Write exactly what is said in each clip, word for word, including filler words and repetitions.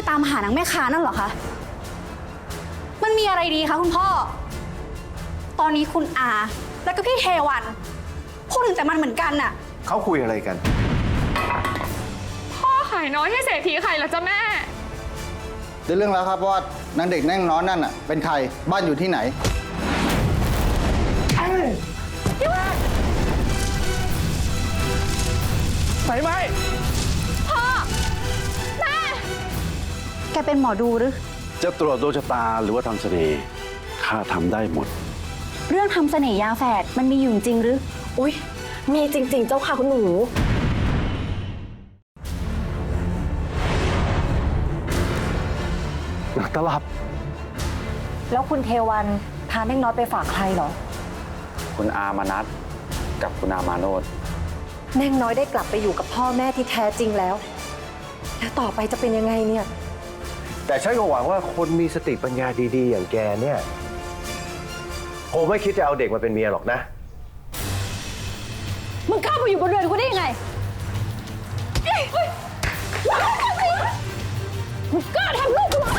ตามหานางแม่ค้านั่นเหรอคะมันมีอะไรดีคะคุณพ่อตอนนี้คุณอาแล้วก็พี่เทวันพูดถึงแต่มันเหมือนกันน่ะเขาคุยอะไรกันพ่อขายน้อยให้เศรษฐีขายเหรอจ๊ะแม่ได้เรื่องแล้วครับว่านางเด็กแน่งน้อยนั่นน่ะเป็นใครบ้านอยู่ที่ไหนไฟไหมพ่อแม่แกเป็นหมอดูหรือจะตรวจดวงชะตาหรือว่าทำเสน่ห์ข้าทำได้หมดเรื่องทำเสน่ห์ยาแฝดมันมีอยู่จริงหรืออุ๊ยมีจริงๆเจ้าค่ะคุณหนูตลับแล้วคุณเทวันพาเน่งน้อยไปฝากใครเหรอคุณอามานัทกับคุณอามาโนดเน่งน้อยได้กลับไปอยู่กับพ่อแม่ที่แท้จริงแล้วแล้วต่อไปจะเป็นยังไงเนี่ยแต่ฉันก็หวังว่าคนมีสติปัญญาดีๆอย่างแกเนี่ยคงไม่คิดจะเอาเด็กมาเป็นเมียหรอกนะมึงกล้าไปอยู่บนเรือนกูได้ยังไงมึงกล้าทำลูกกูเหรอ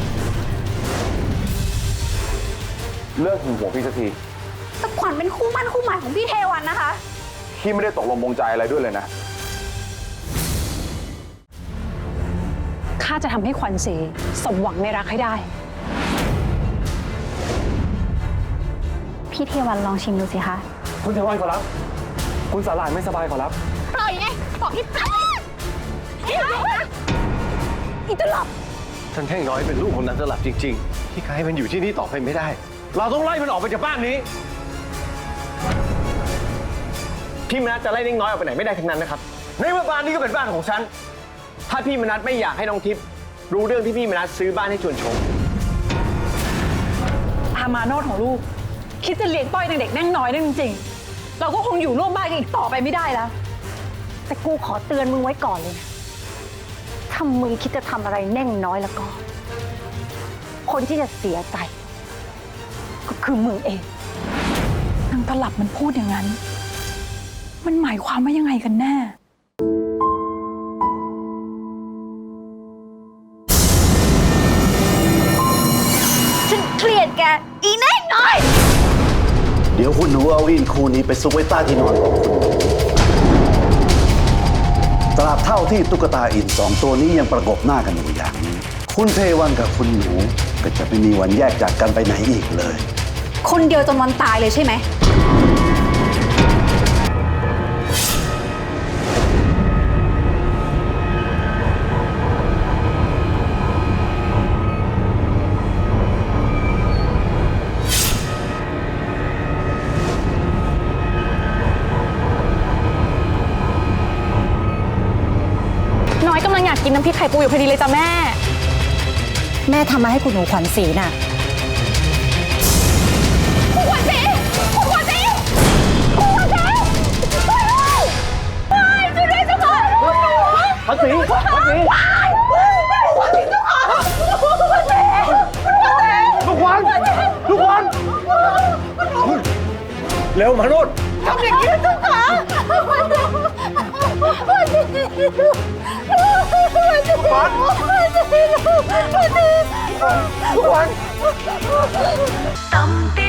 เลิกหึงหวงพี่สักทีแต่ขวัญเป็นคู่มั่นคู่หมายของพี่เทวันนะคะพี่ไม่ได้ตกลงปรงใจอะไรด้วยเลยนะข้าจะทำให้ขวัญศรีสมหวังในรักให้ได้พี่เทวันลองชิมดูสิคะคุณเทวันขอรับคุณสาหร่ายไม่สบายขอรับปล่อยไงบอกพี่ปล่อยอีตลับท่านแท่งน้อยเป็นลูกของนันตลับจริงๆที่ใครให้มันอยู่ที่นี่ต่อไปไม่ได้เราต้องไล่มันออกไปจากบ้านนี้พี่มนัสจะไล่เน่งน้อยออกไปไหนไม่ได้ทั้งนั้นนะครับในเมื่อบ้านนี้ก็เป็นบ้านของฉันถ้าพี่มนัสไม่อยากให้น้องทิพย์รู้เรื่องที่พี่มนัสซื้อบ้านให้ชวนชมอามาโนดของลูกคิดจะเลี้ยงต้อยเด็กแน่งน้อยนั่นจริงๆเราก็คงอยู่ร่วมบ้านกันอีกต่อไปไม่ได้แล้วแต่กูขอเตือนมึงไว้ก่อนเลยนะถ้ามึงคิดจะทำอะไรแน่งน้อยแล้วก็คนที่จะเสียใจก็คือมึงเองนางตลับมันพูดอย่างนั้นมันหมายความว่ายังไงกันแน่ฉันเกลียดแกอีแน่น้อยเดี๋ยวคุณหนูเอาอินคู่นี้ไปซุกไว้ใต้ที่นอนของคุณตราบเท่าที่ตุ๊กตาอินสองตัวนี้ยังประกบหน้ากันอยู่อย่างนี้คุณเทวันกับคุณหนูก็จะไม่มีวันแยกจากกันไปไหนอีกเลยคนเดียวจนวันตายเลยใช่ไหมน้อยกำลังอยากกินน้ำพริกไข่ปูอยู่พอดีเลยจ้ะแม่แม่ทำมาให้คุณหนูขวัญศรีน่ะคุณขวัญศรีคุณขวัญศรีคุณขวัญศรีช่วยด้วยช่วยด้วยเจ้าค่ะขวัญศรีขวัญศรีขวัญศรีเจ้าค่ะขวัญศรีลูกขวัญลูกขวัญเร็วมาโนดทำอย่างนี้เจ้าค่ะขวัญศรีขวัญศรีลูกขวัญลูกขวัญ